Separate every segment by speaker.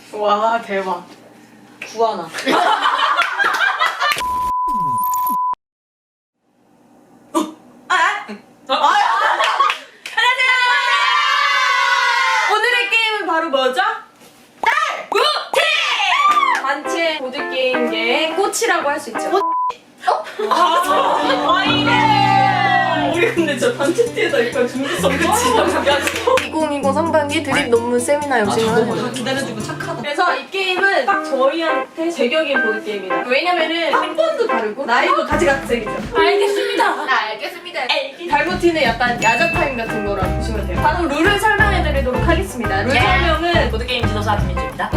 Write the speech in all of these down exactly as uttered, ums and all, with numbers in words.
Speaker 1: 와 대박. 구하나. 오늘의 게임은 바로 뭐죠? 딸! 구티! 단체 보드게임계의 꽃이라고 할 수 있죠. 꽃? 어? 아, 이래! 우리 근데 저 단체 티에다 이거 준비성 그치?
Speaker 2: 이천이십 상반기 드립 논문 세미나 역시
Speaker 1: 아, 기다려주고 착하다. 그래서 이 게임은 딱 저희한테 제격인 보드게임이다. 왜냐면은 학번도 다르고 나이도 가지각색이죠. 알겠습니다.
Speaker 2: 알겠습니다.
Speaker 1: 달고티는 약간 야자 타임 같은 거라고 보시면 돼요. 바로 룰을 설명해드리도록 하겠습니다. 룰
Speaker 2: 예.
Speaker 1: 설명은
Speaker 3: 보드게임 지도사 김민주입니다.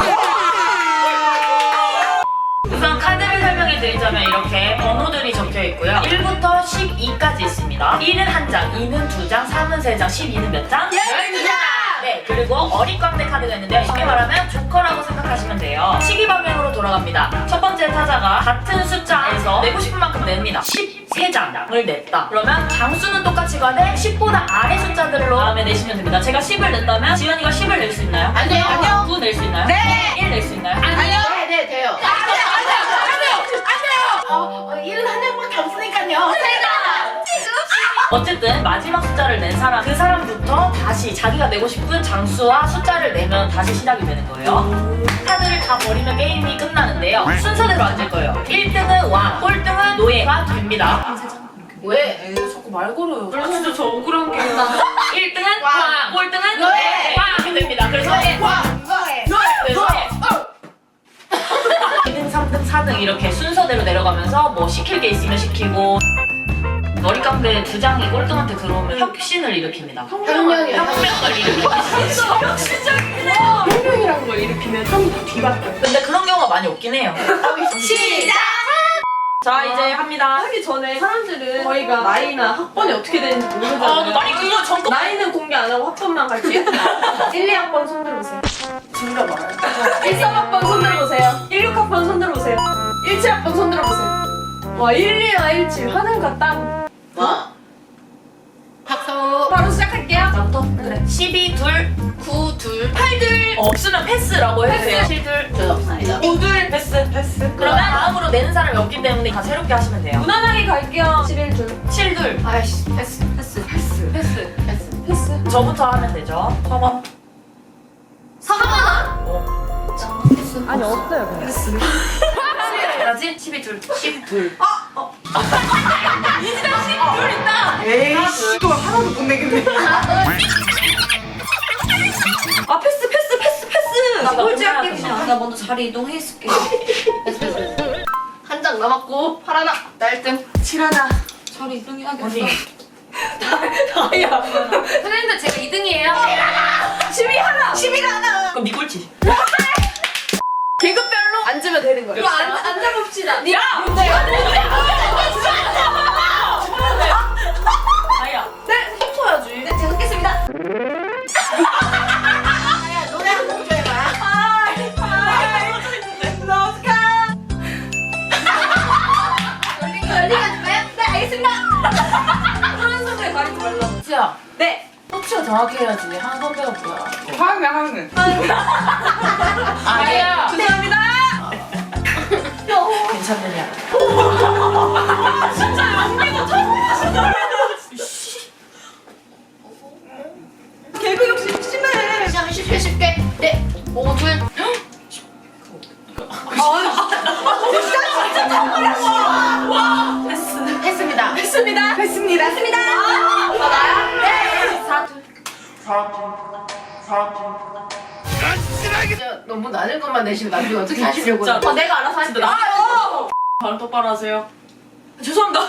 Speaker 3: 우선 카드를 설명해드리자면 이렇게 번호들이 적혀있고요. 일부터 십이까지 있습니다. 일은 한 장, 이는 두 장, 삼은 세 장, 십이는 몇 장?
Speaker 2: 열두 장!
Speaker 3: 네, 그리고 어릿광대 카드가 있는데 쉽게 말하면 조커라고 생각하시면 돼요. 시기 방향으로 돌아갑니다. 첫 번째 타자가 같은 숫자에서 내고 싶은 만큼 냅니다. 십세 장을 냈다. 그러면 장수는 똑같이 가되 십보다 아래 숫자들로 다음에 내시면 됩니다. 제가 십을 냈다면 지연이가 십을 낼 수 있나요?
Speaker 2: 안 돼요. 아니요.
Speaker 3: 구 낼 수 있나요?
Speaker 2: 네.
Speaker 3: 일 낼 수 있나요?
Speaker 2: 아니요. 네, 네, 돼요. 안 돼요, 안 돼요, 안 돼요, 안 돼요. 어, 어, 일은 한 장밖에 없으니까요. 세 장.
Speaker 3: 어쨌든 마지막 숫자를 낸 사람, 그 사람부터 다시 자기가 내고 싶은 장수와 숫자를 내면 다시 시작이 되는 거예요. 카드를 다 버리면 게임이 끝나는데요. 순서대로 앉을 거예요. 일 등은 왕, 꼴등은 노예가 됩니다.
Speaker 2: 왜?
Speaker 1: 자꾸 말 걸어요. 그래서 진짜 저 억울한 게
Speaker 3: 일 등은
Speaker 2: 왕.
Speaker 3: 왕, 꼴등은
Speaker 2: 노예.
Speaker 3: 노예. 왕이 됩니다. 그래서
Speaker 2: 와, 노예.
Speaker 3: 그래서 이 등, 삼 등, 사 등 이렇게 순서대로 내려가면서 뭐 시킬 게 있으면 시키고 머리깡대 두 장이 꼴등한테 들어오면 혁신을 일으킵니다.
Speaker 2: 혁명이요.
Speaker 3: 혁명을 일으킵니다.
Speaker 1: 혁신적이구나. 혁명이란 걸 일으키면 좀 뒤바뀌어.
Speaker 3: 근데 그런 경우가 많이 없긴 해요.
Speaker 2: 시작!
Speaker 3: 자 이제 합니다.
Speaker 1: 하기 전에 사람들은 저희가 나이나 학번이 어떻게 되는지
Speaker 3: 아, 너
Speaker 1: 모르잖아요.
Speaker 3: 나이 그거 전거
Speaker 1: 나이는 공개 안 하고 학번만 갈게요. 일, 이 학번 손 들어보세요.
Speaker 2: 진짜 말아요.
Speaker 1: 일, 삼 학번 손 들어보세요. 일, 육 학번 손 들어보세요. 일, 칠 학번 손 들어보세요. 와, 일, 이나 일, 칠 하는가 딱.
Speaker 2: 와. 박수.
Speaker 1: 바로 시작할게요.
Speaker 3: 나부터? 그래. 십이 둘,
Speaker 2: 구, 둘.
Speaker 3: 팔 둘. 없으면 패스라고 해주세요. 칠 둘,
Speaker 2: 저 없습니다.
Speaker 3: 오 둘. 패스.
Speaker 1: 패스.
Speaker 3: 그러면 다음으로 내는 사람이 없기 때문에 다 새롭게 하시면 돼요.
Speaker 1: 무난하게 갈게요. 십일 줄.
Speaker 3: 칠 둘.
Speaker 2: 아이씨, 패스, 패스, 패스, 패스, 패스.
Speaker 1: 패스.
Speaker 3: 저부터 하면 되죠. 서번.
Speaker 2: 서가만.
Speaker 3: 어.
Speaker 2: 패스.
Speaker 1: 아니, 없어요, 그냥.
Speaker 2: 패스.
Speaker 3: 뭐지? 십이 둘. 십 둘.
Speaker 1: 둘 있다.
Speaker 2: 에이씨.
Speaker 1: 또 하나도 못 내겠네. 아, 패스, 패스, 패스, 패스.
Speaker 3: 나
Speaker 1: 꼴찌
Speaker 3: 먼저
Speaker 1: 할게,
Speaker 3: 해야
Speaker 1: 그냥.
Speaker 2: 나 먼저 자리 이동해 있을게. 패스, 패스. 한 장 남았고, 팔 하나. 나 일 등.
Speaker 1: 칠 하나.
Speaker 2: 자리 이동해야겠어.
Speaker 3: 어디?
Speaker 1: 다이아.
Speaker 2: 선생님들 제가 이 등이에요.
Speaker 1: 십이 하나. 십일 하나.
Speaker 3: 그럼 니 꼴찌.
Speaker 1: 계급별로 앉으면 되는 거예요.
Speaker 2: 이거 앉- 앉아봅시다.
Speaker 1: 야!
Speaker 3: 아야.
Speaker 1: 네, 섞어야지.
Speaker 2: 네, 제가 겠습니다. 아야, 노래 한 곡 좀 해봐요.
Speaker 1: 나 어떡해.
Speaker 2: 열리기 열리기 해줄까요? 네, 알겠습니다.
Speaker 1: 그런 소리에 가리지 말라고.
Speaker 3: 수야.
Speaker 1: 네.
Speaker 3: 터치가 정확히 해야지. 한 선배가 뭐야?
Speaker 1: 화음이 화음이.
Speaker 3: 아야.
Speaker 1: 죄송합니다.
Speaker 3: 괜찮느냐?
Speaker 1: 개그 욕심 심해.
Speaker 2: 시작 쉽게 쉽게. 네, 오 둘.
Speaker 3: 패스.
Speaker 2: 했습니다.
Speaker 1: 했습니다. 했습니다. 했습니다.
Speaker 2: 아, 나야? 네. 사 둘. 진짜 너무 낮은 것만 내시면 나중에 어떻게 하시려고?
Speaker 3: 진짜.
Speaker 2: 어, 내가 알아서 할게.
Speaker 3: 나- 바로 똑바로 하세요. 죄송합니다.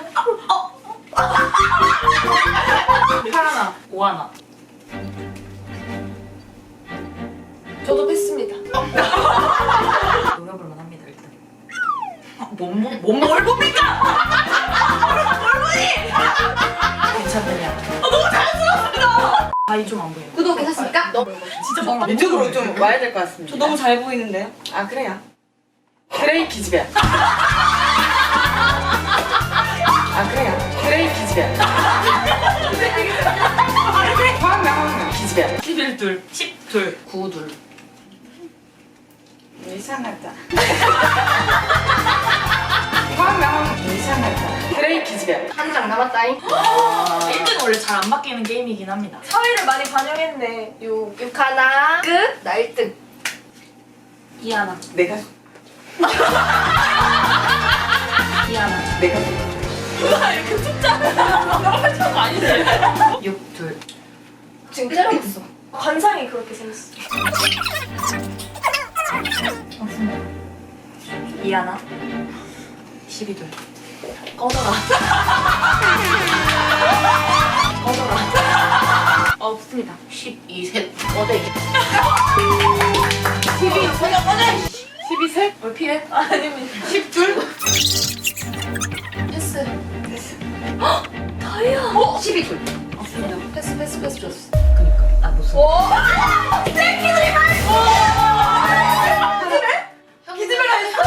Speaker 3: 팔 하나, 오 하나.
Speaker 2: 저도 했습니다.
Speaker 3: 노래 부르면 합니다 일단. 몸몸 몸뭘 봅니까? 뭘 보니? 괜찮느냐? 너무 자연스럽습니다. 아이 좀 안 보여.
Speaker 2: 구독하셨습니까? 너무
Speaker 3: 진짜 막
Speaker 1: 이쪽으로 좀 와야 될 것 같습니다. 저 너무 잘 보이는데요? 아, 그래요? 그레이 기집애. 아, 그래요? 그레이 기집애. 화음이 화음이 기집애.
Speaker 3: 십일 둘, 십 둘, 구 둘.
Speaker 2: 이상하다. 화면 이상하다. 그레이 기집애. 한 장 남았다잉.
Speaker 3: 일 등은 원래 잘 안 바뀌는 게임이긴 합니다.
Speaker 1: 사회를 많이 반영했네. 요.
Speaker 2: 육 하나. 끝. 나 일 등.
Speaker 3: 이 하나.
Speaker 2: 내가
Speaker 3: 이 하나.
Speaker 2: 내가
Speaker 1: 누가 이렇게 숫자
Speaker 3: 저거 아니지? 육 둘.
Speaker 2: 지금 때려봤어.
Speaker 1: 관상이 그렇게 생겼어.
Speaker 3: 이 하나. 십이 둘. 꺼져라. 꺼져라. 없습니다.
Speaker 2: 십이 셋. 어디? 십이 셋. 꺼져. 십이 셋.
Speaker 3: 뭘 피해?
Speaker 1: 아닙니다.
Speaker 2: 십 둘.
Speaker 1: 패스.
Speaker 2: 됐어.
Speaker 1: 다이아.
Speaker 2: 어? 십이 둘.
Speaker 3: 없습니다.
Speaker 1: 패스 패스 패스 줬어.
Speaker 3: 그니까. 아, 무슨.
Speaker 1: 오. 새끼들이 말고. 기집애? 기집애라 했어.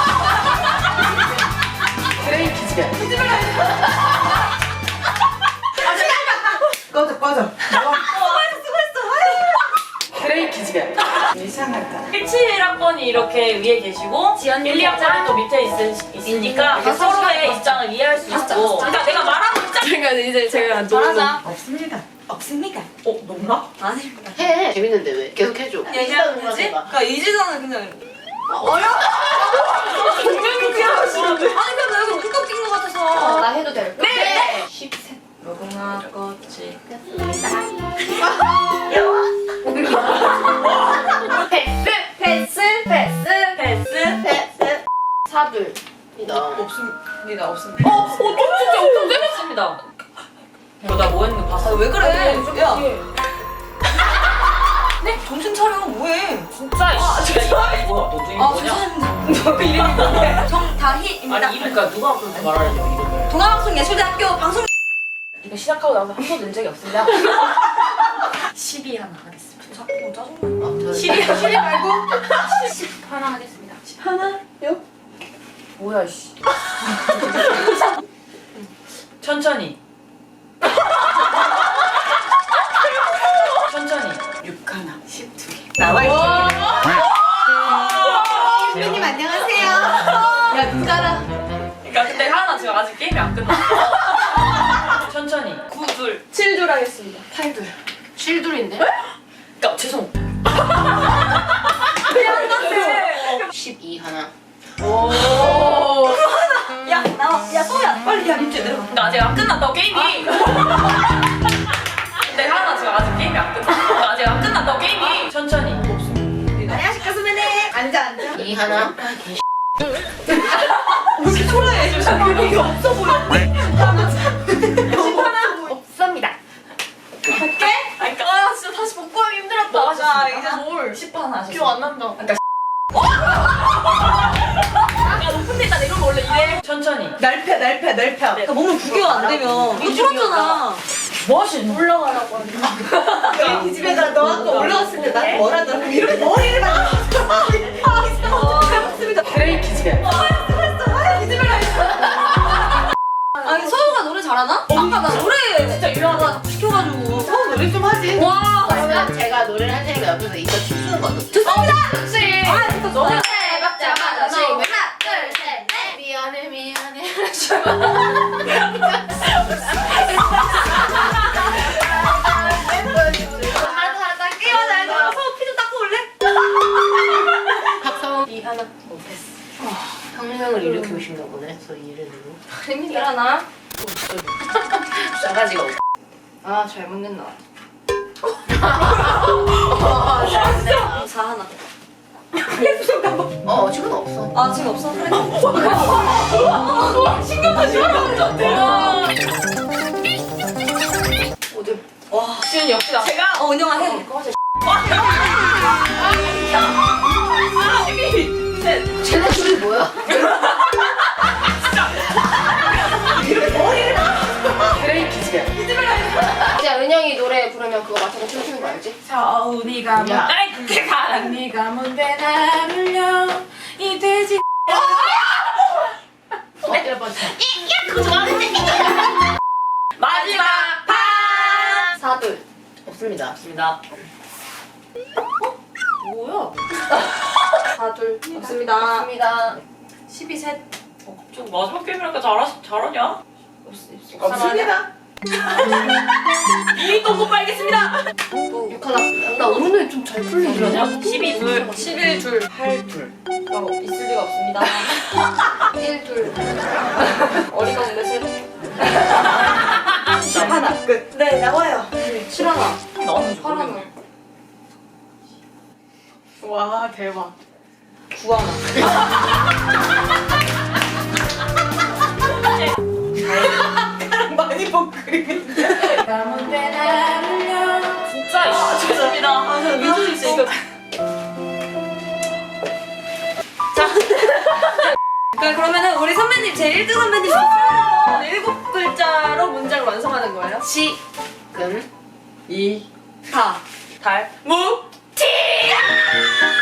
Speaker 2: 그레이 기집애.
Speaker 1: 기집애라 했어.
Speaker 2: 꺼져 꺼져. 나와.
Speaker 1: 수고했어 수고했어.
Speaker 2: 그레이 기집애. 이상하다.
Speaker 3: 일칠 학번이 이렇게 위에 계시고
Speaker 1: 지연
Speaker 3: 일, 이 학번이 또 밑에 있, 있으니까 이렇게 서로의 입장을 이해할 수 있고 그러니까 내가 말하는 입장
Speaker 1: 제가 이제 제가
Speaker 3: 잘하자.
Speaker 2: 없습니다. 없습니다.
Speaker 3: 어? 농나?
Speaker 1: 아닙니다.
Speaker 2: 해. 재밌는데 왜? 계속 해줘.
Speaker 1: 얘기하는 거지? 그러니까 이지선은 그냥
Speaker 2: 분명히 그냥 하시는데.
Speaker 1: 아니 근데 내가 웃겨 낀것 같아서.
Speaker 2: 나 해도 될까?
Speaker 1: 네.
Speaker 2: 십 셋.
Speaker 3: 무궁화 꽃이
Speaker 2: 패스.
Speaker 1: 패스 패스
Speaker 3: 패스
Speaker 2: 패스. 사둘이다.
Speaker 1: 없습니다 없습니다.
Speaker 3: 어? 어? 좀 진짜 엄청 재밌습니다 이거 나 뭐 했는 거 봤어?
Speaker 1: 왜 그래? 야.
Speaker 3: 네?
Speaker 1: 정신 차려 뭐해?
Speaker 3: 진짜 아, 진짜 이거 뭐야? 너 중에
Speaker 1: 아
Speaker 3: 뭐냐?
Speaker 1: 죄송합니다. 너 이름이 뭔데? 정다희입니다.
Speaker 3: 아니 이러니까 누가 그렇게 말하려고 이름을
Speaker 1: 동아방송예술대학교 방송.
Speaker 3: 이거 시작하고 나서 한 번도 낸 적이 없습니다 십이 하나 하겠습니다
Speaker 1: 자꾸 짜증나.
Speaker 3: 십이
Speaker 1: 실리 말고
Speaker 2: 십 하나 하겠습니다.
Speaker 1: 하나요?
Speaker 3: 뭐야 씨 천천히 천천히
Speaker 2: 육 하나. 십 두 개.
Speaker 1: 나와 있어.
Speaker 2: 선배님 안녕하세요. 야 누가라.
Speaker 3: 그러니까 근데 하나 지금 아직 게임이 안 끝났어 천천히 구 둘
Speaker 1: 칠 줄 하겠습니다.
Speaker 2: 팔 둘. 칠 둘인데?
Speaker 3: 그러니까 죄송
Speaker 2: 십이 하나.
Speaker 1: 오. 야 나와. 야 소야 빨리 야 민재 내려가.
Speaker 3: 그러니까 아직 안 끝났다고 게임이 근데 하나 지금 아직 게임이 안 끝났어 그러니까 아직 안 끝났다고 게임이 천천히
Speaker 1: 안녕하십니까 선배님. 앉아 앉아.
Speaker 2: 이 하나.
Speaker 1: 왜 이렇게 초라해? 이게 없어 보여.
Speaker 2: 없습니다.
Speaker 1: 할게.
Speaker 3: 아니 그러니까 아 진짜 다시 복구하기 힘들었다
Speaker 1: 뭐
Speaker 3: 자
Speaker 1: 하셨습니까?
Speaker 3: 이제 뭘 십 판 하셨어
Speaker 1: 기억 안 난다.
Speaker 3: 야 높은 데다 내려오면 원래 이래 천천히
Speaker 2: 넓혀 넓혀 넓혀.
Speaker 1: 그러니까 몸을 구겨 안 되면 이거 뚫었잖아.
Speaker 3: 뭐 하시는 거야?
Speaker 1: 올라가라고 하는 거.
Speaker 2: 이 집에다 너 아까 올라왔을 때 나한테 뭐라더라? 이렇게 머리를 막.
Speaker 1: 맞습니다.
Speaker 2: 그레이 기집애.
Speaker 1: 아니 서우가 노래 잘하나? 아까 나 노래 진짜 유명하다 시켜가지고.
Speaker 2: 어 노래 좀 하지.
Speaker 1: 와.
Speaker 2: 그러면 제가 노래를 할 테니까 옆에서 이거 춤추는 거 어때?
Speaker 1: 좋습니다.
Speaker 2: 그렇지.
Speaker 1: 아 진짜 좋아.
Speaker 2: 박자마자
Speaker 1: 너.
Speaker 2: 하나 둘셋넷 미안해 미안해.
Speaker 1: 하나 하나 닦게 맞아. 나 서우 피 좀 닦고 올래?
Speaker 2: 박성호 이 하나. 오 패스. 평생을 일으키고 싶나 보네. 저 이름으로.
Speaker 1: 힘들하나?
Speaker 2: 싸가지가 없어.
Speaker 1: 아 잘못냈나. 사 하나.
Speaker 2: 어 지금 없어.
Speaker 1: 아 지금 없어? 그래.
Speaker 3: 신경만 신경만
Speaker 1: 어디? 와.
Speaker 3: 지은 역시 나 제가
Speaker 1: 어 은영아 해.
Speaker 2: 쟤네 둘이 뭐야? 그레이 기집애.
Speaker 1: 이제 은영이 노래 부르면 그거 맞춰서 춤추는 거 알지?
Speaker 3: 서운이가
Speaker 2: 야.
Speaker 3: 뭔데 가란 네가 뭔데 나를려 이 돼지
Speaker 2: 몇 번째?
Speaker 3: 그거 좋아하는데 마지막 판
Speaker 1: 사둘.
Speaker 2: 없습니다.
Speaker 3: 맞습니다 뭐야
Speaker 1: 사둘.
Speaker 2: 둘.
Speaker 1: 없습니다.
Speaker 2: 없습니다.
Speaker 1: 십이 셋.
Speaker 3: 어, 좀 마지막 게임이니까 잘하, 잘하냐?
Speaker 2: 없습니다.
Speaker 3: 이 똥꼬 빨겠습니다.
Speaker 2: 육 하나. 나 오늘 좀 잘 풀리네.
Speaker 3: 그러냐? 십이 둘.
Speaker 1: 십일 둘. 팔 둘. 어, 있을 리가 없습니다.
Speaker 2: 일 둘.
Speaker 1: 어리가 없네 셋. 십 하나. 끝.
Speaker 2: 네, 나와요.
Speaker 1: 칠 하나.
Speaker 3: 나는
Speaker 2: 팔 하나.
Speaker 1: 와 대박. 구 하나. 많이 본 그림인데.
Speaker 3: 진짜 아, 죄송합니다.
Speaker 1: 아, 저 위조 있으니까. 자. 그러니까 그러면은 우리 선배님 제 일 등 선배님 목표로 일곱 글자로 문장을 완성하는 거예요.
Speaker 2: 시. 금.
Speaker 1: 이. 타.
Speaker 3: 달.
Speaker 1: 무. 티.